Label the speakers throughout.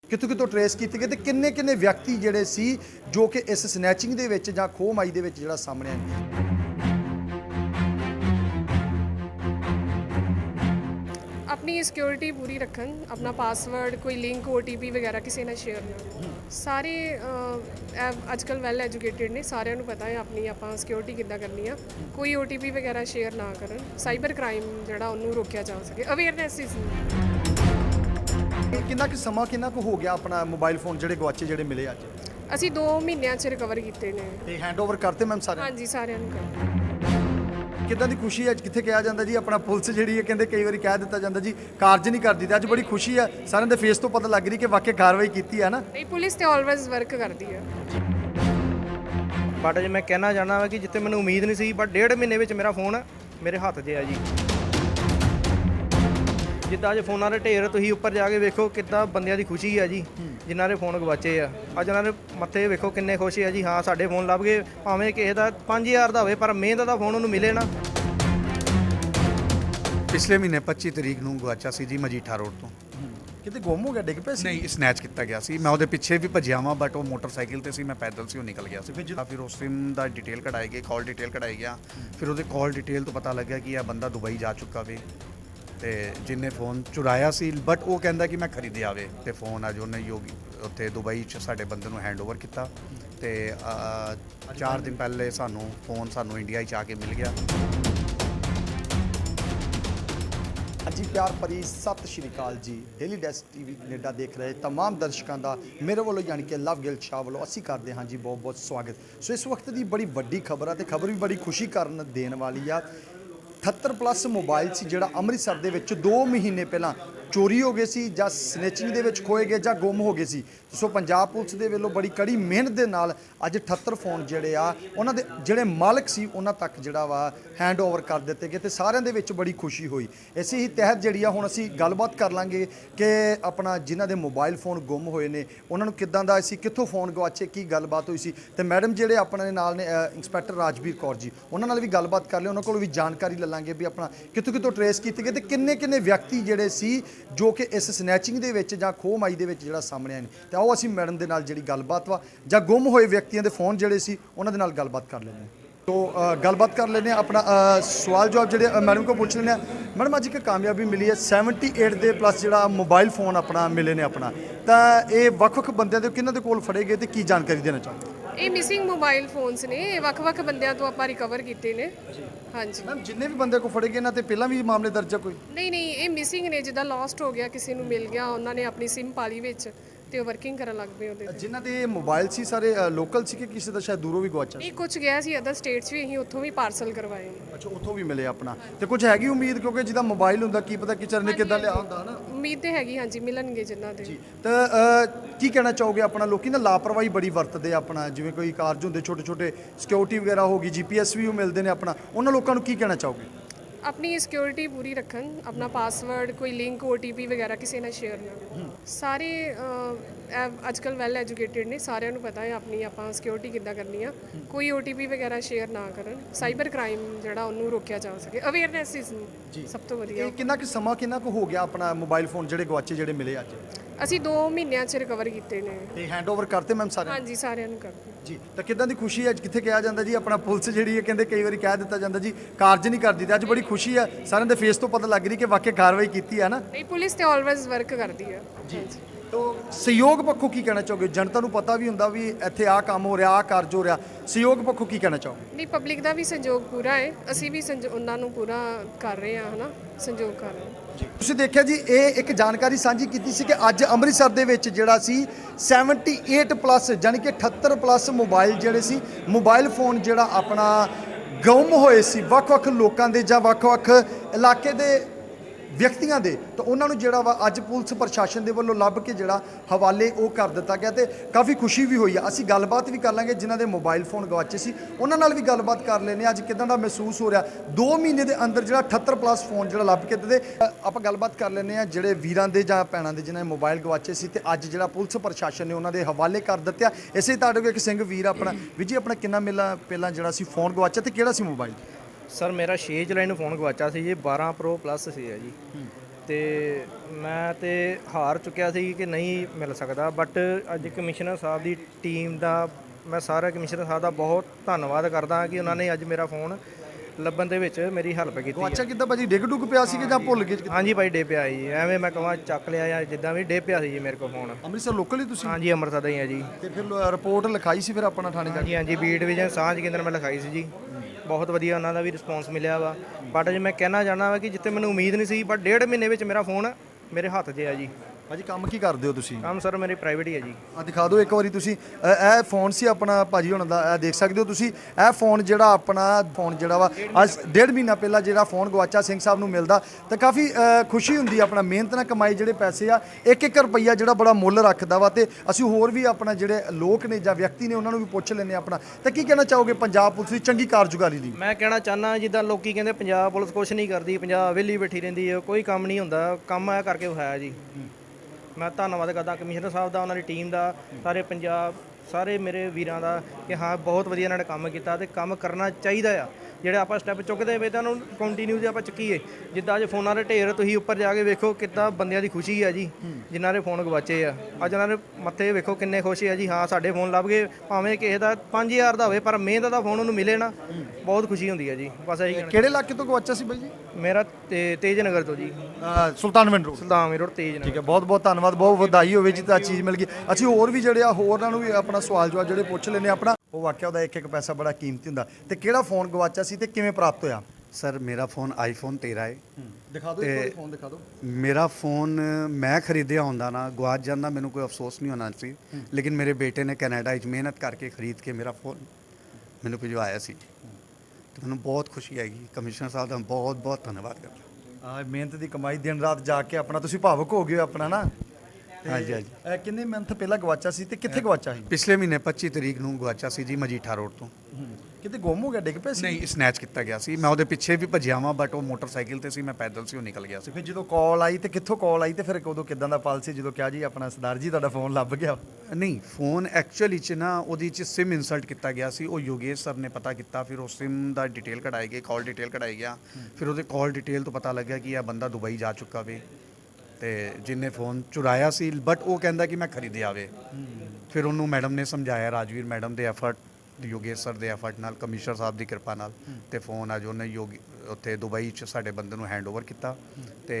Speaker 1: ਕਿੱਥੋਂ ਕਿੱਥੋਂ ਟਰੇਸ ਕੀਤੇ ਗਏ ਤੇ ਕਿੰਨੇ ਕਿੰਨੇ ਵਿਅਕਤੀ ਜਿਹੜੇ ਸੀ ਜੋ ਕਿ ਇਸ ਸਨੈਚਿੰਗ ਦੇ ਵਿੱਚ ਜਾਂ ਖੋਹ ਮਾਈ ਦੇ ਵਿੱਚ ਜਿਹੜਾ ਸਾਹਮਣੇ ਆਏ।
Speaker 2: अपनी सिक्योरिटी पूरी रखन, अपना पासवर्ड कोई लिंक OTP वगैरह किसी ने शेयर ना। सारे अजकल वैल एजुकेटेड ने, सारिਆਂ ਨੂੰ ਪਤਾ ਹੈ ਆਪਣੀ ਆਪਾਂ ਸਿਕਿਉਰਿਟੀ ਕਿੱਦਾਂ ਕਰਨੀ ਆ। ਕੋਈ OTP ਵਗੈਰਾ ਸ਼ੇਅਰ ਨਾ ਕਰਨ, ਸਾਈਬਰ ਕ੍ਰਾਈਮ ਜਿਹੜਾ ਉਹਨੂੰ ਰੋਕਿਆ ਜਾ ਸਕੇ। ਅਵੇਅਰਨੈਸ ਇਸ
Speaker 1: ਕਿੰਨਾ ਕੁ ਸਮਾਂ ਕਿੰਨਾ ਕੁ ਹੋ ਗਿਆ ਆਪਣਾ ਮੋਬਾਈਲ ਫੋਨ ਜਿਹੜੇ ਗਵਾਚੇ ਜਿਹੜੇ ਮਿਲੇ ਅੱਜ
Speaker 2: ਅਸੀਂ 2 ਮਹੀਨਿਆਂ 'ਚ ਰਿਕਵਰ ਕੀਤੇ ਨੇ।
Speaker 1: ਤੇ ਹੈਂਡਓਵਰ ਕਰਤੇ ਮੈਮ ਸਾਰੇ?
Speaker 2: ਹਾਂਜੀ, ਸਾਰਿਆਂ ਨੂੰ ਕਰ।
Speaker 1: ਕਿੱਦਾਂ ਦੀ ਖੁਸ਼ੀ ਹੈ? ਕਿੱਥੇ ਕਿਹਾ ਜਾਂਦਾ ਜੀ ਆਪਣਾ ਪੁਲਿਸ ਜਿਹੜੀ ਹੈ ਕਹਿੰਦੇ ਕਈ ਵਾਰੀ ਕਹਿ ਦਿੱਤਾ ਜਾਂਦਾ ਜੀ ਕਾਰਜ ਨਹੀਂ ਕਰਦੀ, ਤੇ ਅੱਜ ਬੜੀ ਖੁਸ਼ੀ ਹੈ ਸਾਰਿਆਂ ਦੇ ਫੇਸ ਤੋਂ ਪਤਾ ਲੱਗ ਰਹੀ ਕਿ ਵਾਕਿਆ ਕਾਰਵਾਈ ਕੀਤੀ ਹੈ ਨਾ।
Speaker 2: ਨਹੀਂ, ਪੁਲਿਸ ਤੇ ਆਲਵੇਜ਼ ਵਰਕ ਕਰਦੀ ਹੈ।
Speaker 3: ਬਟ ਜੇ ਮੈਂ ਕਹਿਣਾ ਚਾਹੁੰਦਾ ਵਾ ਕਿ ਜਿੱਥੇ ਮੈਨੂੰ ਉਮੀਦ ਨਹੀਂ ਸੀ, ਬਟ 1.5 ਮਹੀਨੇ ਵਿੱਚ ਮੇਰਾ ਫੋਨ ਮੇਰੇ ਹੱਥ 'ਚ ਆ ਜੀ। ਜਿੱਦਾਂ ਅੱਜ ਫੋਨਾਂ ਦੇ ਢੇਰ ਤੁਸੀਂ ਉੱਪਰ ਜਾ ਕੇ ਵੇਖੋ ਕਿੱਦਾਂ ਬੰਦਿਆਂ ਦੀ ਖੁਸ਼ੀ ਆ ਜੀ ਜਿਨ੍ਹਾਂ ਦੇ ਫੋਨ ਗਵਾਚੇ ਆ। ਅੱਜ ਉਹਨਾਂ ਦੇ ਮੱਥੇ ਵੇਖੋ ਕਿੰਨੇ ਖੁਸ਼ ਆ ਜੀ, ਹਾਂ ਸਾਡੇ ਫੋਨ ਲੱਭ ਗਏ। ਭਾਵੇਂ ਕਿਸੇ ਦਾ 5000 ਦਾ ਹੋਵੇ ਪਰ ਮਿਹਨਤ ਦਾ ਫੋਨ ਉਹਨੂੰ ਮਿਲੇ ਨਾ।
Speaker 4: ਪਿਛਲੇ ਮਹੀਨੇ 25 ਤਰੀਕ ਨੂੰ ਗਵਾਚਾ ਸੀ ਜੀ ਮਜੀਠਾ ਰੋਡ ਤੋਂ।
Speaker 1: ਕਿਤੇ ਗੁੰਮ ਹੋ ਗਿਆ, ਡਿੱਗ ਪਿਆ ਸੀ?
Speaker 4: ਨਹੀਂ, ਸਨੈਚ ਕੀਤਾ ਗਿਆ ਸੀ। ਮੈਂ ਉਹਦੇ ਪਿੱਛੇ ਵੀ ਭੱਜਿਆ ਵਾਂ, ਬਟ ਉਹ ਮੋਟਰਸਾਈਕਲ ਤੇ ਸੀ, ਮੈਂ ਪੈਦਲ ਸੀ, ਉਹ ਨਿਕਲ ਗਿਆ ਸੀ। ਫਿਰ ਉਸ ਸਿਮ ਦਾ ਡਿਟੇਲ ਕਢਾਈ ਗਈ, ਕਾਲ ਡਿਟੇਲ ਕਢਾਈ ਗਿਆ। ਫਿਰ ਉਹਦੇ ਕਾਲ ਡਿਟੇਲ ਤੋਂ ਪਤਾ ਲੱਗਿਆ ਕਿ ਇਹ ਬੰਦਾ ਦੁਬਈ ਜਾ ਚੁੱਕਾ ਵੇ ਤੇ ਜਿਹਨੇ ਫੋਨ ਚੁਰਾਇਆ ਸੀ, ਬਟ ਉਹ ਕਹਿੰਦਾ ਕਿ ਮੈਂ ਖਰੀਦਿਆ ਵੇ। ਤੇ ਫੋਨ ਅੱਜ ਉਹਨੇ ਯੋਗੀ ਉੱਥੇ ਦੁਬਈ 'ਚ ਸਾਡੇ ਬੰਦੇ ਨੂੰ ਹੈਂਡਓਵਰ ਕੀਤਾ ਤੇ 4 ਦਿਨ ਪਹਿਲੇ ਸਾਨੂੰ ਇੰਡੀਆ 'ਚ ਆ ਕੇ ਮਿਲ ਗਿਆ।
Speaker 1: ਹਾਂਜੀ, ਪਿਆਰ ਭਰੀ ਸਤਿ ਸ਼੍ਰੀ ਅਕਾਲ ਜੀ। ਡੇਲੀ ਡੈਸਕ ਟੀਵੀ ਕੈਨੇਡਾ ਦੇਖ ਰਹੇ तमाम ਦਰਸ਼ਕਾਂ ਦਾ ਮੇਰੇ ਵੱਲੋਂ ਯਾਨੀ ਕਿ ਲਵ ਗਿਲ ਸ਼ਾਹ ਵੱਲੋਂ ਅਸੀਂ ਕਰਦੇ ਹਾਂ ਜੀ ਬਹੁਤ ਬਹੁਤ ਸਵਾਗਤ। ਸੋ ਇਸ ਵਕਤ ਦੀ ਬੜੀ ਵੱਡੀ ਖਬਰ ਆ ਤੇ ਖਬਰ ਵੀ ਬੜੀ ਖੁਸ਼ੀ ਕਰਨ ਦੇਣ ਵਾਲੀ ਆ। 78+ ਮੋਬਾਈਲ ਸੀ ਜਿਹੜਾ ਅੰਮ੍ਰਿਤਸਰ ਦੇ ਵਿੱਚ 2 ਮਹੀਨੇ ਪਹਿਲਾਂ ਚੋਰੀ ਹੋ ਗਏ ਸੀ ਜਾਂ ਸਨੈਚਿੰਗ ਦੇ ਵਿੱਚ ਖੋਏ ਗਏ ਜਾਂ ਗੁੰਮ ਹੋ ਗਏ ਸੀ। ਸੋ ਪੰਜਾਬ ਪੁਲਿਸ ਦੇ ਵੱਲੋਂ ਬੜੀ ਕੜੀ ਮਿਹਨਤ ਦੇ ਨਾਲ ਅੱਜ 78 ਫੋਨ ਜਿਹੜੇ ਆ ਉਹਨਾਂ ਦੇ ਜਿਹੜੇ ਮਾਲਕ ਸੀ ਉਹਨਾਂ ਤੱਕ ਜਿਹੜਾ ਵਾ ਹੈਂਡਓਵਰ ਕਰ ਦਿੱਤੇ ਗਏ ਤੇ ਸਾਰਿਆਂ ਦੇ ਵਿੱਚ ਬੜੀ ਖੁਸ਼ੀ ਹੋਈ। ਇਸੇ ਹੀ ਤਹਿਤ ਜਿਹੜੀ ਆ ਹੁਣ ਅਸੀਂ ਗੱਲਬਾਤ ਕਰ ਲਾਂਗੇ ਕਿ ਆਪਣਾ ਜਿਨ੍ਹਾਂ ਦੇ ਮੋਬਾਈਲ ਫੋਨ ਗੁੰਮ ਹੋਏ ਨੇ ਉਹਨਾਂ ਨੂੰ ਕਿੱਦਾਂ ਦਾ ਸੀ, ਕਿੱਥੋਂ ਫੋਨ ਗਵਾਚੇ, ਕੀ ਗੱਲਬਾਤ ਹੋਈ ਸੀ। ਤੇ ਮੈਡਮ ਜਿਹੜੇ ਆਪਣੇ ਨਾਲ ਨੇ ਇੰਸਪੈਕਟਰ ਰਾਜਵੀਰ ਕੌਰ ਜੀ, ਉਹਨਾਂ ਨਾਲ ਵੀ ਗੱਲਬਾਤ ਕਰ ਲਈ, ਉਹਨਾਂ ਕੋਲ ਵੀ ਜਾਣਕਾਰੀ ਲੈ ਲਾਂਗੇ ਵੀ ਆਪਣਾ ਕਿੱਥੋਂ ਕਿੱਥੋਂ ਟਰੇਸ ਕੀਤੇ ਗਏ ਤੇ ਕਿੰਨੇ ਕਿੰਨੇ ਵਿਅਕਤੀ ਜਿਹੜੇ ਸੀ ਜੋ ਕਿ ਇਸ ਸਨੈਚਿੰਗ ਦੇ ਵਿੱਚ ਜਾਂ ਖੋਹ ਮਾਈ ਦੇ ਵਿੱਚ ਜਿਹੜਾ ਸਾਹਮਣੇ ਆਏ ਨੇ। ਤੇ ਆਓ ਅਸੀਂ ਮੈਡਮ ਦੇ ਨਾਲ ਜਿਹੜੀ ਗੱਲਬਾਤ ਵਾ ਜਾਂ ਗੁੰਮ ਹੋਏ ਵਿਅਕਤੀਆਂ ਦੇ ਫੋਨ ਜਿਹੜੇ ਸੀ ਉਹਨਾਂ ਦੇ ਨਾਲ ਗੱਲਬਾਤ ਕਰ ਲੈਂਦੇ ਹਾਂ। ਤੋ ਗੱਲਬਾਤ ਕਰ ਲੈਂਦੇ ਹਾਂ, ਆਪਣਾ ਸਵਾਲ ਜਵਾਬ ਜਿਹੜੇ ਮੈਡਮ ਕੋਲ ਪੁੱਛ ਲੈਂਦੇ ਹਾਂ। ਮੈਡਮ ਅੱਜ ਇੱਕ ਕਾਮਯਾਬੀ ਮਿਲੀ ਹੈ 78 ਦੇ ਪਲੱਸ ਜਿਹੜਾ ਮੋਬਾਈਲ ਫੋਨ ਆਪਣਾ ਮਿਲੇ ਨੇ ਆਪਣਾ, ਤਾਂ ਇਹ ਵੱਖ-ਵੱਖ ਬੰਦਿਆਂ ਦੇ ਕਿਹਨਾਂ ਦੇ ਕੋਲ ਫੜੇ ਗਏ ਤੇ ਕੀ ਜਾਣਕਾਰੀ ਦੇਣਾ ਚਾਹੁੰਦੇ?
Speaker 2: ਇਹ ਮਿਸਿੰਗ ਮੋਬਾਈਲ ਫੋਨਸ ਨੇ, ਇਹ ਵੱਖ-ਵੱਖ ਬੰਦਿਆਂ ਤੋਂ ਆਪਾਂ ਰਿਕਵਰ ਕੀਤੇ ਨੇ। ਹਾਂਜੀ
Speaker 1: ਮੈਮ, ਜਿੰਨੇ ਵੀ ਬੰਦੇ ਕੋਲ ਫੜੇ ਗਏ ਨਾ ਤੇ ਪਹਿਲਾਂ ਵੀ ਮਾਮਲੇ ਦਰਜ ਆ ਕੋਈ?
Speaker 2: ਨਹੀਂ, ਇਹ ਮਿਸਿੰਗ ਨੇ, ਜਿੱਦਾਂ ਲੋਸਟ ਹੋ ਗਿਆ, ਕਿਸੇ ਨੂੰ ਮਿਲ ਗਿਆ, ਉਹਨਾਂ ਨੇ ਆਪਣੀ ਸਿਮ ਪਾਲੀ ਵਿੱਚ ਤੇ ਉਹ ਵਰਕਿੰਗ ਕਰਨ ਲੱਗ ਪਏ ਉਹਦੇ ਤੇ।
Speaker 1: ਜਿਨ੍ਹਾਂ ਦੇ ਮੋਬਾਈਲ ਸੀ ਸਾਰੇ ਲੋਕਲ ਸੀ ਕਿ ਕਿਸੇ ਦਾ ਸ਼ਾਇਦ ਦੂਰੋਂ ਵੀ ਗਵਾਚਾ ਸੀ?
Speaker 2: ਨਹੀਂ, ਕੁਝ ਗਿਆ ਸੀ ਅਦਰ ਸਟੇਟਸ ਵੀ, ਅਸੀਂ ਉੱਥੋਂ ਵੀ ਪਾਰਸਲ ਕਰਵਾਏ ਨੇ।
Speaker 1: ਅੱਛਾ, ਉੱਥੋਂ ਵੀ ਮਿਲੇ ਆਪਣਾ। ਤੇ ਕੁਝ ਹੈਗੀ ਉਮੀਦ ਕਿਉਂਕਿ ਜਿਹਦਾ ਮੋਬਾਈਲ ਹੁੰਦਾ ਕੀ ਪਤਾ ਕਿਚਰ ਨੇ ਕਿੱਦਾਂ ਲਿਆ ਹੁੰਦਾ ਨਾ।
Speaker 2: ਉਮੀਦ ਤੇ ਹੈਗੀ, ਹਾਂਜੀ, ਮਿਲਣਗੇ ਜਿਨ੍ਹਾਂ ਦੇ।
Speaker 1: ਤਾਂ ਕੀ ਕਹਿਣਾ ਚਾਹੋਗੇ? ਆਪਣਾ ਲੋਕੀ ਨਾ ਲਾਪਰਵਾਹੀ ਬੜੀ ਵਰਤਦੇ ਆਪਣਾ, ਜਿਵੇਂ ਕੋਈ ਕਾਰਜ ਹੁੰਦੇ ਛੋਟੇ ਛੋਟੇ ਸਿਕਿਉਰਿਟੀ ਵਗੈਰਾ ਹੋ ਗਈ, GPS ਵੀ ਉਹ ਮਿਲਦੇ ਨੇ ਆਪਣਾ, ਉਹਨਾਂ ਲੋਕਾਂ ਨੂੰ ਕੀ ਕਹਿਣਾ ਚਾਹੋਗੇ?
Speaker 2: ਆਪਣੀ ਸਿਕਿਉਰਿਟੀ ਪੂਰੀ ਰੱਖਣ, ਆਪਣਾ ਪਾਸਵਰਡ ਕੋਈ ਲਿੰਕ OTP ਵਗੈਰਾ ਕਿਸੇ ਨਾਲ ਸ਼ੇਅਰ ਨਾ। ਸਾਰੇ ਅੱਜਕੱਲ ਵੈਲ ਐਜੂਕੇਟਿਡ ਨੇ, ਸਾਰਿਆਂ ਨੂੰ ਪਤਾ ਹੈ ਆਪਣੀ ਆਪਾਂ ਸਿਕਿਉਰਿਟੀ ਕਿੱਦਾਂ ਕਰਨੀ ਆ। ਕੋਈ OTP ਵਗੈਰਾ ਸ਼ੇਅਰ ਨਾ ਕਰਨ, ਸਾਈਬਰ ਕ੍ਰਾਈਮ ਜਿਹੜਾ ਉਹਨੂੰ ਰੋਕਿਆ ਜਾ ਸਕੇ। ਅਵੇਅਰਨੈਸ ਇਸ ਸਭ ਤੋਂ ਵਧੀਆ।
Speaker 1: ਕਿੰਨਾ ਕੁ ਸਮਾਂ ਕਿੰਨਾ ਕੁ ਹੋ ਗਿਆ ਆਪਣਾ ਮੋਬਾਈਲ ਫੋਨ ਜਿਹੜੇ ਗਵਾਚੇ ਜਿਹੜੇ ਮਿਲੇ ਅੱਜ?
Speaker 2: ਅਸੀਂ 2 ਮਹੀਨਿਆਂ 'ਚ ਰਿਕਵਰ ਕੀਤੇ ਨੇ।
Speaker 1: ਤੇ ਹੈਂਡਓਵਰ ਕਰਤੇ ਮੈਮ ਸਾਰੇ?
Speaker 2: ਹਾਂਜੀ, ਸਾਰਿਆਂ ਨੂੰ ਕਰ।
Speaker 1: ਜੀ, ਤਾਂ ਕਿੱਦਾਂ ਦੀ ਖੁਸ਼ੀ ਹੈ? ਕਿੱਥੇ ਕਿਹਾ ਜਾਂਦਾ ਜੀ ਆਪਣਾ ਪੁਲਿਸ ਜਿਹੜੀ ਹੈ ਕਹਿੰਦੇ ਕਈ ਵਾਰੀ ਕਹਿ ਦਿੱਤਾ ਜਾਂਦਾ ਜੀ ਕਾਰਜ ਨਹੀਂ ਕਰਦੀ, ਤੇ ਅੱਜ ਬੜੀ ਖੁਸ਼ੀ ਹੈ ਸਾਰਿਆਂ ਦੇ ਫੇਸ ਤੋਂ ਪਤਾ ਲੱਗ ਰਹੀ ਕਿ ਵਾਕਿਆ ਕਾਰਵਾਈ ਕੀਤੀ ਹੈ ਨਾ।
Speaker 2: ਨਹੀਂ, ਪੁਲਿਸ ਤੇ ਆਲਵੇਜ਼ ਵਰਕ ਕਰਦੀ ਹੈ ਜੀ।
Speaker 1: ਤੋ ਸਹਿਯੋਗ ਪੱਖੋਂ ਕੀ ਕਹਿਣਾ ਚਾਹੋਗੇ? ਜਨਤਾ ਨੂੰ ਪਤਾ ਵੀ ਹੁੰਦਾ ਵੀ ਇੱਥੇ ਆਹ ਕੰਮ ਹੋ ਰਿਹਾ, ਆਹ ਕਾਰਜ ਹੋ ਰਿਹਾ, ਸਹਿਯੋਗ ਪੱਖੋਂ ਕੀ ਕਹਿਣਾ ਚਾਹੋਗੇ?
Speaker 2: ਨਹੀਂ, ਪਬਲਿਕ ਦਾ ਵੀ ਸਹਿਯੋਗ ਪੂਰਾ ਹੈ, ਅਸੀਂ ਵੀ ਉਹਨਾਂ ਨੂੰ ਪੂਰਾ ਕਰ ਰਹੇ ਹਾਂ, ਹਨਾ, ਸਹਿਯੋਗ ਕਰ ਰਹੇ ਹਾਂ।
Speaker 1: ਤੁਸੀਂ ਦੇਖਿਆ ਜੀ, ਇਹ ਇੱਕ ਜਾਣਕਾਰੀ ਸਾਂਝੀ ਕੀਤੀ ਸੀ ਕਿ ਅੱਜ ਅੰਮ੍ਰਿਤਸਰ ਦੇ ਵਿੱਚ ਜਿਹੜਾ ਸੀ 78+ ਯਾਨੀ ਕਿ 78+ ਮੋਬਾਈਲ ਜਿਹੜੇ ਸੀ, ਮੋਬਾਈਲ ਫੋਨ ਜਿਹੜਾ ਆਪਣਾ ਗੁੰਮ ਹੋਏ ਸੀ ਵੱਖ-ਵੱਖ ਲੋਕਾਂ ਦੇ ਜਾਂ ਵੱਖ-ਵੱਖ ਇਲਾਕੇ ਦੇ ਵਿਅਕਤੀਆਂ ਦੇ, ਤਾਂ ਉਹਨਾਂ ਨੂੰ ਜਿਹੜਾ ਵਾ ਅੱਜ ਪੁਲਿਸ ਪ੍ਰਸ਼ਾਸਨ ਦੇ ਵੱਲੋਂ ਲੱਭ ਕੇ ਜਿਹੜਾ ਹਵਾਲੇ ਉਹ ਕਰ ਦਿੱਤਾ ਗਿਆ ਤੇ ਕਾਫੀ ਖੁਸ਼ੀ ਵੀ ਹੋਈ ਆ। ਅਸੀਂ ਗੱਲਬਾਤ ਵੀ ਕਰ ਲਾਂਗੇ ਜਿਨ੍ਹਾਂ ਦੇ ਮੋਬਾਈਲ ਫੋਨ ਗਵਾਚੇ ਸੀ, ਉਹਨਾਂ ਨਾਲ ਵੀ ਗੱਲਬਾਤ ਕਰ ਲੈਂਦੇ ਅੱਜ ਕਿਦਾਂ ਦਾ ਮਹਿਸੂਸ ਹੋ ਰਿਹਾ 2 ਮਹੀਨੇ ਦੇ ਅੰਦਰ ਜਿਹੜਾ 78+ ਫੋਨ ਜਿਹੜਾ ਲੱਭ ਕੇ ਦਿੱਤੇ। ਆਪਾਂ ਗੱਲਬਾਤ ਕਰ ਲੈਂਦੇ ਆ ਜਿਹੜੇ ਵੀਰਾਂ ਦੇ ਜਾਂ ਭੈਣਾਂ ਦੇ ਜਿਨ੍ਹਾਂ ਦੇ ਮੋਬਾਈਲ ਗਵਾਚੇ ਸੀ ਤੇ ਅੱਜ ਜਿਹੜਾ ਪੁਲਿਸ ਪ੍ਰਸ਼ਾਸਨ ਨੇ ਉਹਨਾਂ ਦੇ ਹਵਾਲੇ ਕਰ ਦਿੱਤੇ। ਇਸੇ ਤੁਹਾਡੇ ਕੋਲ ਇੱਕ ਸਿੰਘ ਵੀਰ ਆਪਣਾ ਵੀ ਜੀ, ਆਪਣਾ ਕਿੰਨਾ ਮੇਲਾ ਪਹਿਲਾਂ ਜਿਹੜਾ ਸੀ ਫੋਨ ਗਵਾਚਿਆ ਤੇ ਕਿਹੜਾ ਸੀ ਮੋਬਾਈਲ?
Speaker 3: ਸਰ ਮੇਰਾ 6 ਜੁਲਾਈ ਨੂੰ ਫੋਨ ਗਵਾਚਾ ਸੀ ਜੀ, 12 Pro Plus ਸੀ ਜੀ। ਤੇ ਮੈਂ ਤੇ ਹਾਰ ਚੁੱਕਿਆ ਸੀ ਕਿ ਨਹੀਂ ਮਿਲ ਸਕਦਾ, ਬਟ ਅੱਜ ਕਮਿਸ਼ਨਰ ਸਾਹਿਬ ਦੀ ਟੀਮ ਦਾ ਮੈਂ ਸਾਰਾ ਕਮਿਸ਼ਨਰ ਸਾਹਿਬ ਦਾ ਬਹੁਤ ਧੰਨਵਾਦ ਕਰਦਾ ਕਿ ਉਹਨਾਂ ਨੇ ਅੱਜ ਮੇਰਾ ਫੋਨ ਲੱਭਣ ਦੇ ਵਿੱਚ ਮੇਰੀ ਹੈਲਪ ਕੀਤੀ
Speaker 1: ਗਵਾਚਾ
Speaker 3: ਹੈ।
Speaker 1: ਕਿੱਦਾਂ ਭਾਜੀ ਡਿੱਗ ਡੁੱਗ ਪਿਆ ਸੀ ਕਿ ਜਾਂ ਭੁੱਲ ਗਏ?
Speaker 3: ਹਾਂਜੀ ਭਾਈ ਡੇ ਪਿਆ ਜੀ, ਐਵੇਂ ਮੈਂ ਕਹਾਂ ਚੱਕ ਲਿਆ ਜਾਂ ਜਿੱਦਾਂ ਵੀ ਡੇ ਪਿਆ ਸੀ ਜੀ ਮੇਰੇ ਕੋਲ ਫੋਨ।
Speaker 1: ਅੰਮ੍ਰਿਤਸਰ ਲੋਕਲ ਹੀ ਤੁਸੀਂ?
Speaker 3: ਹਾਂਜੀ ਅੰਮ੍ਰਿਤਸਰ ਦਾ ਹੀ ਹੈ ਜੀ।
Speaker 1: ਤੇ ਫਿਰ ਰਿਪੋਰਟ ਲਿਖਾਈ ਸੀ ਫਿਰ ਆਪਣਾ ਥਾਣੇ ਜਾ ਕੇ?
Speaker 3: ਹਾਂਜੀ ਹਾਂਜੀ ਬੀ ਡਿਵੀਜ਼ਨ ਸਾਂਝ ਕੇਂਦਰ ਮੈਂ ਲਿਖਾਈ ਸੀ ਜੀ, ਬਹੁਤ ਵਧੀਆ ਉਹਨਾਂ ਦਾ ਵੀ ਰਿਸਪੌਂਸ ਮਿਲਿਆ ਵਾ। ਬਟ ਜੇ ਮੈਂ ਕਹਿਣਾ ਚਾਹੁੰਦਾ ਵਾ ਕਿ ਜਿੱਥੇ ਮੈਨੂੰ ਉਮੀਦ ਨਹੀਂ ਸੀ, ਬਟ 1.5 ਮਹੀਨੇ ਵਿੱਚ ਮੇਰਾ ਫੋਨ ਮੇਰੇ ਹੱਥ 'ਚ ਆ ਜੀ।
Speaker 1: ਭਾਜੀ ਕੰਮ ਕੀ ਕਰਦੇ ਹੋ ਤੁਸੀਂ?
Speaker 3: ਕੰਮ ਸਰ ਮੇਰੀ ਪ੍ਰਾਈਵੇਟ ਹੀ ਹੈ ਜੀ।
Speaker 1: ਆ ਦਿਖਾ ਦਿਓ ਇੱਕ ਵਾਰੀ ਤੁਸੀਂ। ਇਹ ਫੋਨ ਸੀ ਆਪਣਾ ਭਾਜੀ ਹੁਣਾਂ ਦਾ, ਇਹ ਦੇਖ ਸਕਦੇ ਹੋ ਤੁਸੀਂ। ਇਹ ਫੋਨ ਜਿਹੜਾ ਆਪਣਾ ਫੋਨ ਜਿਹੜਾ ਵਾ ਅੱਜ 1.5 ਮਹੀਨਾ ਪਹਿਲਾਂ ਜਿਹੜਾ ਫੋਨ ਗਵਾਚਾ ਸਿੰਘ ਸਾਹਿਬ ਨੂੰ ਮਿਲਦਾ ਤਾਂ ਕਾਫੀ ਖੁਸ਼ੀ ਹੁੰਦੀ ਆ। ਆਪਣਾ ਮਿਹਨਤ ਨਾਲ ਕਮਾਈ ਜਿਹੜੇ ਪੈਸੇ ਆ, ਇੱਕ ਇੱਕ ਰੁਪਈਆ ਜਿਹੜਾ ਬੜਾ ਮੁੱਲ ਰੱਖਦਾ ਵਾ। ਤੇ ਅਸੀਂ ਹੋਰ ਵੀ ਆਪਣਾ ਜਿਹੜੇ ਲੋਕ ਨੇ ਜਾਂ ਵਿਅਕਤੀ ਨੇ ਉਹਨਾਂ ਨੂੰ ਵੀ ਪੁੱਛ ਲੈਂਦੇ ਆਪਣਾ। ਤਾਂ ਕੀ ਕਹਿਣਾ ਚਾਹੋਗੇ ਪੰਜਾਬ ਪੁਲਿਸ ਦੀ ਚੰਗੀ ਕਾਰਜੁਕਾਰੀ ਦੀ?
Speaker 3: ਮੈਂ ਕਹਿਣਾ ਚਾਹੁੰਦਾ ਜਿੱਦਾਂ ਲੋਕੀ ਕਹਿੰਦੇ ਪੰਜਾਬ ਪੁਲਿਸ ਕੁਛ ਨਹੀਂ ਕਰਦੀ, ਪੰਜਾਬ ਵਿਹਲੀ ਬੈਠੀ ਰਹਿੰਦੀ ਹੈ, ਕੋਈ ਕੰਮ ਨਹੀਂ ਹੁੰਦਾ। ਕੰਮ ਇਹ ਕਰਕੇ ਵਿਖਾਇਆ ਜੀ। ਮੈਂ ਧੰਨਵਾਦ ਕਰਦਾ ਕਮਿਸ਼ਨਰ ਸਾਹਿਬ ਦਾ, ਉਹਨਾਂ ਦੀ ਟੀਮ ਦਾ, ਸਾਰੇ ਪੰਜਾਬ ਸਾਰੇ ਮੇਰੇ ਵੀਰਾਂ ਦਾ ਕਿ ਹਾਂ ਬਹੁਤ ਵਧੀਆ ਇਹਨਾਂ ਨੇ ਕੰਮ ਕੀਤਾ ਤੇ ਕੰਮ ਕਰਨਾ ਚਾਹੀਦਾ ਆ। ਜਿਹੜੇ ਆਪਾਂ ਸਟੈਪ ਚੁੱਕਦੇ ਵੇ ਤਾਂ ਉਹਨੂੰ ਕੰਟੀਨਿਊ ਜੇ ਆਪਾਂ ਚੱਕੀਏ। ਜਿੱਦਾਂ ਅੱਜ ਫੋਨਾਂ ਦੇ ਢੇਰ ਤੁਸੀਂ ਉੱਪਰ ਜਾ ਕੇ ਵੇਖੋ ਕਿੱਦਾਂ ਬੰਦਿਆਂ ਦੀ ਖੁਸ਼ੀ ਹੈ ਜੀ ਜਿਨ੍ਹਾਂ ਦੇ ਫੋਨ ਗਵਾਚੇ ਆ। ਅੱਜ ਉਹਨਾਂ ਦੇ ਮੱਥੇ ਵੇਖੋ ਕਿੰਨੇ ਖੁਸ਼ ਆ ਜੀ, ਹਾਂ ਸਾਡੇ ਫੋਨ ਲੱਭ ਗਏ। ਭਾਵੇਂ ਕਿਸੇ ਦਾ 5000 ਦਾ ਹੋਵੇ ਪਰ ਮਿਹਨਤ ਦਾ ਫੋਨ ਉਹਨੂੰ ਮਿਲੇ ਨਾ, ਬਹੁਤ ਖੁਸ਼ੀ ਹੁੰਦੀ ਹੈ ਜੀ। ਬਸ ਇਹੀ ਕਹਿਣਾ।
Speaker 1: ਕਿਹੜੇ ਇਲਾਕੇ ਤੋਂ ਗਵਾਚਾ ਸੀ ਬਾਈ ਜੀ?
Speaker 3: ਮੇਰਾ ਤੇਜ ਨਗਰ ਤੋਂ ਜੀ,
Speaker 1: ਸੁਲਤਾਨਵਿੰਡ ਰੋਡ।
Speaker 3: ਸੁਲਤਾਨ ਰੋਡ ਤੇਜ ਨਗਰ।
Speaker 1: ਠੀਕ ਹੈ, ਬਹੁਤ ਬਹੁਤ ਧੰਨਵਾਦ, ਬਹੁਤ ਵਧਾਈ ਹੋਵੇ ਜੀ ਤਾਂ ਚੀਜ਼ ਮਿਲ ਗਈ। ਅਸੀਂ ਹੋਰ ਵੀ ਜਿਹੜੇ ਆ ਹੋਰਾਂ ਨੂੰ ਵੀ ਆਪਣਾ ਸਵਾਲ ਜਵਾਬ ਜਿਹੜੇ ਪੁੱਛ ਲੈਂਦੇ ਆਪਣਾ। ਉਹ ਵਾਕਿਆ ਉਹਦਾ ਇੱਕ ਇੱਕ ਪੈਸਾ ਬੜਾ ਕੀਮਤੀ ਹੁੰਦਾ। ਤੇ ਕਿਹੜਾ ਫੋਨ ਗਵਾਚਾ ਸੀ ਤੇ ਕਿਵੇਂ ਪ੍ਰਾਪਤ ਹੋਇਆ?
Speaker 4: ਸਰ ਮੇਰਾ ਫੋਨ ਆਈਫੋਨ 13 ਹੈ।
Speaker 1: ਦਿਖਾ ਦਿਓ ਇੱਕ ਵਾਰੀ ਫੋਨ ਦਿਖਾ ਦਿਓ।
Speaker 4: ਮੇਰਾ ਫੋਨ ਮੈਂ ਖਰੀਦਿਆ ਹੁੰਦਾ ਨਾ, ਗਵਾਚ ਜਾਂਦਾ ਮੈਨੂੰ ਕੋਈ ਅਫਸੋਸ ਨਹੀਂ ਹੋਣਾ ਸੀ। ਲੇਕਿਨ ਮੇਰੇ ਬੇਟੇ ਨੇ ਕੈਨੇਡਾ ਵਿੱਚ ਮਿਹਨਤ ਕਰਕੇ ਖਰੀਦ ਕੇ ਮੇਰਾ ਫੋਨ ਮੈਨੂੰ ਭਿਜਵਾਇਆ ਸੀ ਤੇ ਮੈਨੂੰ ਬਹੁਤ ਖੁਸ਼ੀ ਆਏਗੀ। ਕਮਿਸ਼ਨਰ ਸਾਹਿਬ ਦਾ ਬਹੁਤ ਬਹੁਤ ਧੰਨਵਾਦ ਕਰਦਾ।
Speaker 1: ਮਿਹਨਤ ਦੀ ਕਮਾਈ ਦਿਨ ਰਾਤ ਜਾ ਕੇ ਆਪਣਾ ਤੁਸੀਂ ਭਾਵੁਕ ਹੋ ਗਏ ਹੋ ਆਪਣਾ ਨਾ।
Speaker 4: ਹਾਂਜੀ ਹਾਂਜੀ।
Speaker 1: ਕਿੰਨੇ ਮੰਥ ਪਹਿਲਾਂ ਗਵਾਚਾ ਸੀ ਤੇ ਕਿੱਥੇ ਗਵਾਚਾ ਸੀ?
Speaker 4: ਪਿਛਲੇ ਮਹੀਨੇ 25 ਤਰੀਕ ਨੂੰ ਗਵਾਚਾ ਸੀ ਜੀ, ਮਜੀਠਾ ਰੋਡ ਤੋਂ।
Speaker 1: ਕਿਤੇ ਗੁੰਮ ਹੋ ਗਿਆ, ਡਿੱਗ ਪਿਆ ਸੀ?
Speaker 4: ਨਹੀਂ, ਸਨੈਚ ਕੀਤਾ ਗਿਆ ਸੀ। ਮੈਂ ਉਹਦੇ ਪਿੱਛੇ ਵੀ ਭੱਜਿਆ ਵਾਂ, ਬਟ ਉਹ ਮੋਟਰਸਾਈਕਲ ਤੇ ਸੀ, ਮੈਂ ਪੈਦਲ ਸੀ, ਉਹ ਨਿਕਲ ਗਿਆ ਸੀ।
Speaker 1: ਫਿਰ ਜਦੋਂ ਕਾਲ ਆਈ ਤੇ ਕਿੱਥੋਂ ਕਾਲ ਆਈ ਤੇ ਫਿਰ ਉਦੋਂ ਕਿਦਾਂ ਦਾ ਪਲ ਸੀ ਜਦੋਂ ਕਿਹਾ ਜੀ ਆਪਣਾ ਸਰਦਾਰ ਜੀ ਤੁਹਾਡਾ ਫੋਨ ਲੱਭ ਗਿਆ?
Speaker 4: ਨਹੀਂ, ਫੋਨ ਐਕਚੁਅਲੀ ਚ ਨਾ ਉਹਦੇ ਚ ਸਿਮ ਇਨਸਰਟ ਕੀਤਾ ਗਿਆ ਸੀ। ਉਹ ਯੋਗੇਸ਼ ਸਰ ਨੇ ਪਤਾ ਕੀਤਾ, ਫਿਰ ਉਹ ਸਿਮ ਦਾ ਡਿਟੇਲ ਕਢਾਈ ਗਈ, ਕਾਲ ਡਿਟੇਲ ਕਢਾਈ ਗਿਆ। ਫਿਰ ਉਹਦੇ ਕਾਲ ਡਿਟੇਲ ਤੋਂ ਪਤਾ ਲੱਗਿਆ ਕਿ ਇਹ ਬੰਦਾ ਦੁਬਈ ਜਾ ਚੁੱਕਾ ਵੇ ਤੇ ਜਿਹਨੇ ਫੋਨ ਚੁਰਾਇਆ ਸੀ, ਬਟ ਉਹ ਕਹਿੰਦਾ ਕਿ ਮੈਂ ਖਰੀਦਿਆ ਵੇ। ਫਿਰ ਉਹਨੂੰ ਮੈਡਮ ਨੇ ਸਮਝਾਇਆ, ਰਾਜਵੀਰ ਮੈਡਮ ਦੇ ਐਫਰਟ, ਯੋਗੇਸ਼ ਸਰ ਦੇ ਐਫਰਟ ਨਾਲ, ਕਮਿਸ਼ਨਰ ਸਾਹਿਬ ਦੀ ਕਿਰਪਾ ਨਾਲ, ਤੇ ਫੋਨ ਅੱਜ ਉਹਨੇ ਉੱਥੇ ਦੁਬਈ 'ਚ ਸਾਡੇ ਬੰਦੇ ਨੂੰ ਹੈਂਡਓਵਰ ਕੀਤਾ। ਤੇ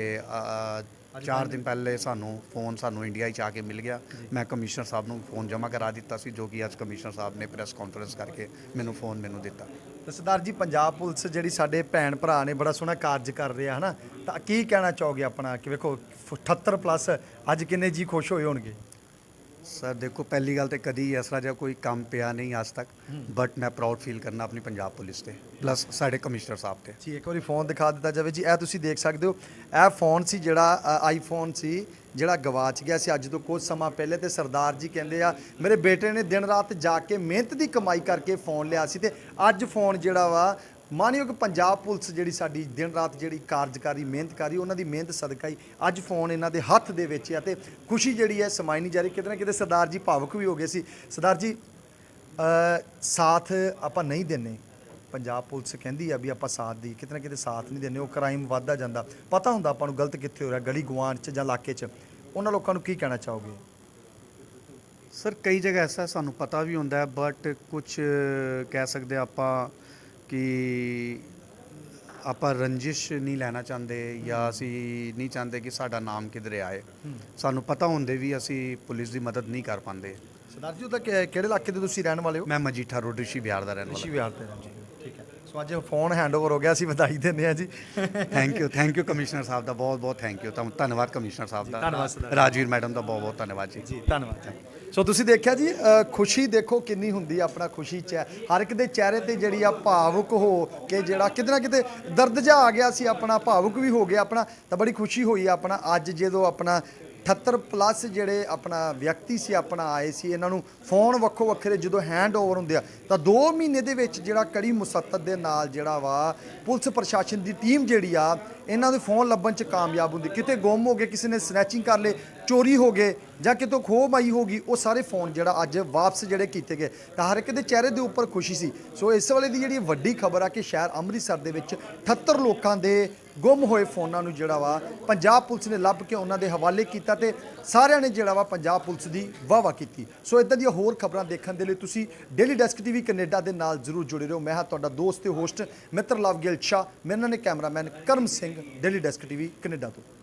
Speaker 4: 4 ਦਿਨ ਪਹਿਲੇ ਸਾਨੂੰ ਇੰਡੀਆ 'ਚ ਆ ਕੇ ਮਿਲ ਗਿਆ। ਮੈਂ ਕਮਿਸ਼ਨਰ ਸਾਹਿਬ ਨੂੰ ਫੋਨ ਜਮ੍ਹਾਂ ਕਰਾ ਦਿੱਤਾ ਸੀ, ਜੋ ਕਿ ਅੱਜ ਕਮਿਸ਼ਨਰ ਸਾਹਿਬ ਨੇ ਪ੍ਰੈਸ ਕਾਨਫਰੰਸ ਕਰਕੇ ਮੈਨੂੰ ਫੋਨ ਦਿੱਤਾ।
Speaker 1: ਤਾਂ ਸਰਦਾਰ ਜੀ ਪੰਜਾਬ ਪੁਲਿਸ ਜਿਹੜੀ ਸਾਡੇ ਭੈਣ ਭਰਾ ਨੇ ਬੜਾ ਸੋਹਣਾ ਕਾਰਜ ਕਰ ਰਿਹਾ ਹੈ ਨਾ, ਤਾਂ ਕੀ ਕਹਿਣਾ ਚਾਹੋਗੇ ਆਪਣਾ ਕਿ ਵੇਖੋ 78 ਪਲੱਸ ਅੱਜ ਕਿੰਨੇ ਜੀ ਖੁਸ਼ ਹੋਏ ਹੋਣਗੇ?
Speaker 4: ਸਰ ਦੇਖੋ, ਪਹਿਲੀ ਗੱਲ ਤੇ ਕਦੀ ਇਸ ਤਰ੍ਹਾਂ ਜਿਹਾ ਕੋਈ ਕੰਮ ਪਿਆ ਨਹੀਂ ਅੱਜ ਤੱਕ, ਬਟ ਮੈਂ ਪ੍ਰਾਊਡ ਫੀਲ ਕਰਨਾ ਆਪਣੀ ਪੰਜਾਬ ਪੁਲਿਸ ਤੇ, ਪਲੱਸ ਸਾਡੇ ਕਮਿਸ਼ਨਰ ਸਾਹਿਬ ਤੇ।
Speaker 1: ਜੀ ਇੱਕ ਵਾਰੀ ਫੋਨ ਦਿਖਾ ਦਿੱਤਾ ਜਾਵੇ ਜੀ। ਇਹ ਤੁਸੀਂ ਦੇਖ ਸਕਦੇ ਹੋ, ਇਹ ਫੋਨ ਸੀ ਜਿਹੜਾ ਆਈਫੋਨ ਸੀ ਜਿਹੜਾ ਗਵਾਚ ਗਿਆ ਸੀ ਅੱਜ ਤੋਂ ਕੁਝ ਸਮਾਂ ਪਹਿਲੇ। ਤੇ ਸਰਦਾਰ ਜੀ ਕਹਿੰਦੇ ਆ ਮੇਰੇ ਬੇਟੇ ਨੇ ਦਿਨ ਰਾਤ ਜਾ ਕੇ ਮਿਹਨਤ ਦੀ ਕਮਾਈ ਕਰਕੇ ਫੋਨ ਲਿਆ ਸੀ ਤੇ ਅੱਜ ਫੋਨ ਜਿਹੜਾ ਵਾ ਮਾਨਯੋਗ ਪੰਜਾਬ ਪੁਲਿਸ ਜਿਹੜੀ ਸਾਡੀ ਦਿਨ ਰਾਤ ਜਿਹੜੀ ਕਾਰਜਕਾਰੀ ਮਿਹਨਤ ਕਰੀ, ਉਹਨਾਂ ਦੀ ਮਿਹਨਤ ਸਦਕਾ ਹੀ ਅੱਜ ਫੋਨ ਇਹਨਾਂ ਦੇ ਹੱਥ ਦੇ ਵਿੱਚ ਆ ਤੇ ਖੁਸ਼ੀ ਜਿਹੜੀ ਹੈ ਸਮਾਈ ਨਹੀਂ ਜਾ ਰਹੀ। ਕਿਤੇ ਨਾ ਕਿਤੇ ਸਰਦਾਰ ਜੀ ਭਾਵੁਕ ਵੀ ਹੋ ਗਏ ਸੀ। ਸਰਦਾਰ ਜੀ ਸਾਥ ਆਪਾਂ ਨਹੀਂ ਦਿੰਦੇ, ਪੰਜਾਬ ਪੁਲਿਸ ਕਹਿੰਦੀ ਆ ਵੀ ਆਪਾਂ ਸਾਥ ਦੀ, ਕਿਤੇ ਨਾ ਕਿਤੇ ਸਾਥ ਨਹੀਂ ਦਿੰਦੇ, ਉਹ ਕ੍ਰਾਈਮ ਵੱਧਦਾ ਜਾਂਦਾ। ਪਤਾ ਹੁੰਦਾ ਆਪਾਂ ਨੂੰ ਗਲਤ ਕਿੱਥੇ ਹੋ ਰਿਹਾ, ਗਲੀ ਗੁਆਂਢ 'ਚ ਜਾਂ ਇਲਾਕੇ 'ਚ। ਉਹਨਾਂ ਲੋਕਾਂ ਨੂੰ ਕੀ ਕਹਿਣਾ ਚਾਹੋਗੇ?
Speaker 4: ਸਰ ਕਈ ਜਗ੍ਹਾ ਐਸਾ ਸਾਨੂੰ ਪਤਾ ਵੀ ਹੁੰਦਾ ਹੈ, ਬਟ ਕੁਝ ਕਹਿ ਸਕਦੇ ਆਪਾਂ ਕਿ ਆਪਾਂ ਰੰਜਿਸ਼ ਨਹੀਂ ਲੈਣਾ ਚਾਹੁੰਦੇ ਜਾਂ ਅਸੀਂ ਨਹੀਂ ਚਾਹੁੰਦੇ ਕਿ ਸਾਡਾ ਨਾਮ ਕਿਧਰੇ ਆਏ। ਸਾਨੂੰ ਪਤਾ ਹੁੰਦੇ ਵੀ ਅਸੀਂ ਪੁਲਿਸ ਦੀ ਮਦਦ ਨਹੀਂ ਕਰ ਪਾਉਂਦੇ।
Speaker 1: ਸਰਦਾਰ ਜੀ ਉਹਦਾ ਕਿਹੜੇ ਇਲਾਕੇ ਦੇ ਤੁਸੀਂ ਰਹਿਣ ਵਾਲੇ ਹੋ?
Speaker 4: ਮੈਂ ਮਜੀਠਾ ਰੋਡ ਰਿਸ਼ੀ ਵਿਹਾਰ ਦਾ ਰਹਿਣ
Speaker 1: ਰਿਸ਼ੀ
Speaker 4: ਵਾਲਾ।
Speaker 1: ਵਿਹਾਰ ਤੇ ਜੀ, ਠੀਕ ਹੈ। ਸੋ ਅੱਜ ਫੋਨ ਹੈਂਡਓਵਰ ਹੋ ਗਿਆ, ਅਸੀਂ ਵਧਾਈ ਦਿੰਦੇ ਹਾਂ ਜੀ।
Speaker 4: ਥੈਂਕ ਯੂ ਕਮਿਸ਼ਨਰ ਸਾਹਿਬ ਦਾ, ਬਹੁਤ ਬਹੁਤ ਥੈਂਕ ਯੂ। ਧੰਨਵਾਦ ਕਮਿਸ਼ਨਰ ਸਾਹਿਬ ਦਾ,
Speaker 1: ਧੰਨਵਾਦ ਸਰਦਾਰ।
Speaker 4: ਰਾਜਵੀਰ ਮੈਡਮ ਦਾ ਬਹੁਤ ਬਹੁਤ ਧੰਨਵਾਦ ਜੀ।
Speaker 1: ਜੀ ਧੰਨਵਾਦ ਜੀ। ਸੋ ਤੁਸੀਂ ਦੇਖਿਆ ਜੀ, ਖੁਸ਼ੀ ਦੇਖੋ ਕਿੰਨੀ ਹੁੰਦੀ ਆ ਆਪਣਾ ਖੁਸ਼ੀ 'ਚ ਹੈ। ਹਰ ਇੱਕ ਦੇ ਚਿਹਰੇ ਤੇ ਜਿਹੜੀ ਆ ਭਾਵੁਕ ਹੋ ਕੇ ਜਿਹੜਾ ਕਿਤੇ ਨਾ ਕਿਤੇ ਦਰਦ ਜਿਹਾ ਆ ਗਿਆ ਸੀ, ਆਪਣਾ ਭਾਵੁਕ ਵੀ ਹੋ ਗਿਆ ਆਪਣਾ। ਤਾਂ ਬੜੀ ਖੁਸ਼ੀ ਹੋਈ ਆਪਣਾ ਅੱਜ ਜਦੋਂ ਆਪਣਾ 78 ਪਲੱਸ ਜਿਹੜੇ ਆਪਣਾ ਵਿਅਕਤੀ ਸੀ ਆਪਣਾ ਆਏ ਸੀ। ਇਹਨਾਂ ਨੂੰ ਫੋਨ ਵੱਖੋ ਵੱਖਰੇ ਜਦੋਂ ਹੈਂਡ ਓਵਰ ਹੁੰਦੇ ਆ ਤਾਂ 2 ਮਹੀਨੇ ਦੇ ਵਿੱਚ ਜਿਹੜਾ ਕੜੀ ਮੁਸੱਤਤ ਦੇ ਨਾਲ ਜਿਹੜਾ ਵਾ ਪੁਲਿਸ ਪ੍ਰਸ਼ਾਸਨ ਦੀ ਟੀਮ ਜਿਹੜੀ ਆ ਇਹਨਾਂ ਦੇ ਫੋਨ ਲੱਭਣ 'ਚ ਕਾਮਯਾਬ ਹੁੰਦੀ। ਕਿਤੇ ਗੁੰਮ ਹੋ ਗਏ, ਕਿਸੇ ਨੇ ਸਨੈਚਿੰਗ ਕਰ ਲਏ, ਚੋਰੀ ਹੋ ਗਏ ਜਾਂ ਕਿਤੋਂ ਖੋਹ ਮਾਈ ਹੋ ਗਈ, ਉਹ ਸਾਰੇ ਫੋਨ ਜਿਹੜਾ ਅੱਜ ਵਾਪਸ ਜਿਹੜੇ ਕੀਤੇ ਗਏ ਤਾਂ ਹਰ ਇੱਕ ਦੇ ਚਿਹਰੇ ਦੇ ਉੱਪਰ ਖੁਸ਼ੀ ਸੀ। ਸੋ ਇਸ ਵੇਲੇ ਦੀ ਜਿਹੜੀ ਵੱਡੀ ਖਬਰ ਆ ਕਿ ਸ਼ਹਿਰ ਅੰਮ੍ਰਿਤਸਰ ਦੇ ਵਿੱਚ 78 ਲੋਕਾਂ ਦੇ ਗੁੰਮ ਹੋਏ ਫੋਨਾਂ ਨੂੰ ਜਿਹੜਾ ਵਾ ਪੰਜਾਬ ਪੁਲਿਸ ਨੇ ਲੱਭ ਕੇ ਉਹਨਾਂ ਦੇ ਹਵਾਲੇ ਕੀਤਾ ਤੇ ਸਾਰਿਆਂ ਨੇ ਜਿਹੜਾ ਵਾ ਪੰਜਾਬ ਪੁਲਿਸ ਦੀ ਵਾਹ-ਵਾਹ ਕੀਤੀ। ਸੋ ਇਦਾਂ ਦੀਆਂ ਹੋਰ ਖਬਰਾਂ ਦੇਖਣ ਦੇ ਲਈ ਤੁਸੀਂ ਡੇਲੀ ਡੈਸਕ ਟੀਵੀ ਕੈਨੇਡਾ ਦੇ ਨਾਲ ਜ਼ਰੂਰ ਜੁੜੇ ਰਹੋ। ਮੈਂ ਹਾਂ ਤੁਹਾਡਾ ਦੋਸਤ ਤੇ ਹੋਸਟ ਮਿੱਤਰ ਲਵਗਿਲ ਸ਼ਾਹ, ਮੇਰੇ ਨਾਲ ਨੇ cameraman Karam Singh, daily desk TV Canada ਤੋਂ।